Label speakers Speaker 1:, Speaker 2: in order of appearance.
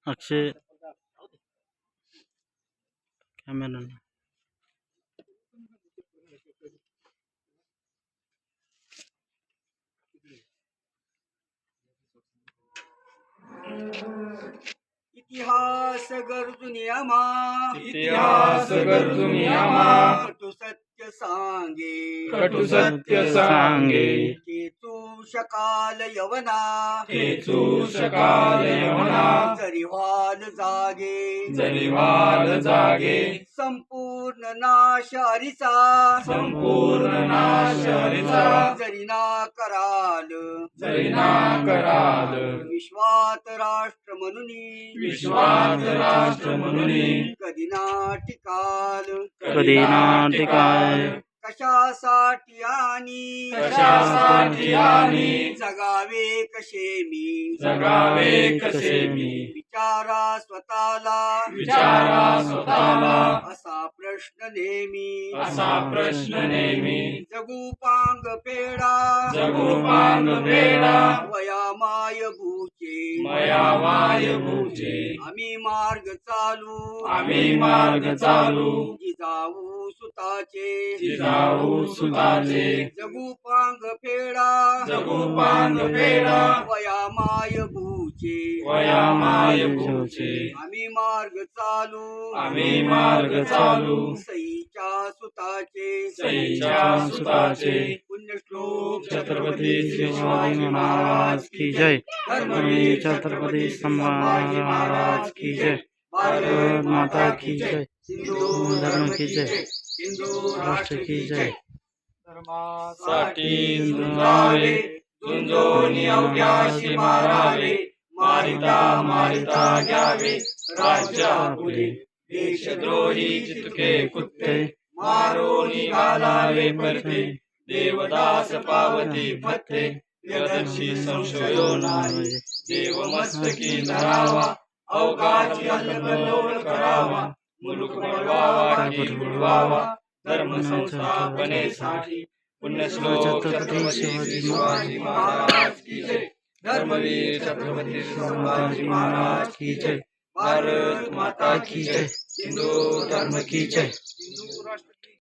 Speaker 1: Akshay camera
Speaker 2: इतिहास गरजून आम्हा
Speaker 3: इतिहास गरजून आम्हा
Speaker 2: कटु सत्य सांगे
Speaker 3: कटु सत्य सांगे
Speaker 2: खेचू शकाल यवना
Speaker 3: खेचू शकाल यवना
Speaker 2: जरी व्हाल जागे
Speaker 3: जरी व्हाल जागे
Speaker 2: संपूर्ण नाश हरीचा
Speaker 3: संपूर्ण नाश हरीचा
Speaker 2: जरी ना कराल
Speaker 3: जरी ना कराल
Speaker 2: विश्वात राष्ट्र म्हणून
Speaker 3: विश्वात राष्ट्र म्हणून
Speaker 2: कधी ना टिकाल
Speaker 1: कधी नाटिकाय
Speaker 2: कशासाठी आणि
Speaker 3: कशासाठी आणि
Speaker 2: जगावे कसे मी
Speaker 3: जगावे कसे मी
Speaker 2: विचारा स्वतःला
Speaker 3: विचारा स्वतःला
Speaker 2: असा प्रश्न नेहमी
Speaker 3: असा प्रश्न नेहमी
Speaker 2: जगू पांग पेडा
Speaker 3: जगू पांग पेडा
Speaker 2: वयामाय भूचे
Speaker 3: मया वाय भूचे
Speaker 2: आम्ही मार्ग चालू
Speaker 3: आम्ही मार्ग चालू
Speaker 2: जिजाऊ सुताचे
Speaker 3: जिजाऊ सुताचे
Speaker 2: जगू पांग पेडा
Speaker 3: जगू पांग पेडा
Speaker 2: वयामाय भूचे
Speaker 3: वयामाय भूचे
Speaker 2: आम्ही मार्ग चालू
Speaker 3: आम्ही मार्ग चालू
Speaker 2: सईच्या सुताचे
Speaker 3: सईच्या सुताचे
Speaker 2: पुण्यश्लोक
Speaker 3: छत्रपती शिवाजी महाराज
Speaker 1: की जय
Speaker 2: धर्मवीर
Speaker 1: छत्रपति संभाजी महाराज की जय भारत माता की जय
Speaker 2: हिंदू
Speaker 1: धर्म की जय
Speaker 2: हिंदू
Speaker 1: राष्ट्र की जय
Speaker 3: साठी झुंजावे झुंजोनी अवघ्याशी मारावे मारिता मारिता घ्यावे राज्यापुढे देशद्रोही चितके कुत्ते मारोनी घालावे परते देवदास पावती फत्ते प्रियदर्शी संशयो नाही देव मस्तकी धरावा अवघाची अल्लकल्लोळ करावा मुलुक बुडवावा की बुडवावा धर्म संस्थापनेसाठी पुण्यश्लोक छत्रपती शिवाजी महाराज की जय धर्मवीर छत्रपती संभाजी महाराज की जय भारत माता की जय हिंदू धर्म की जय हिंदू राष्ट्र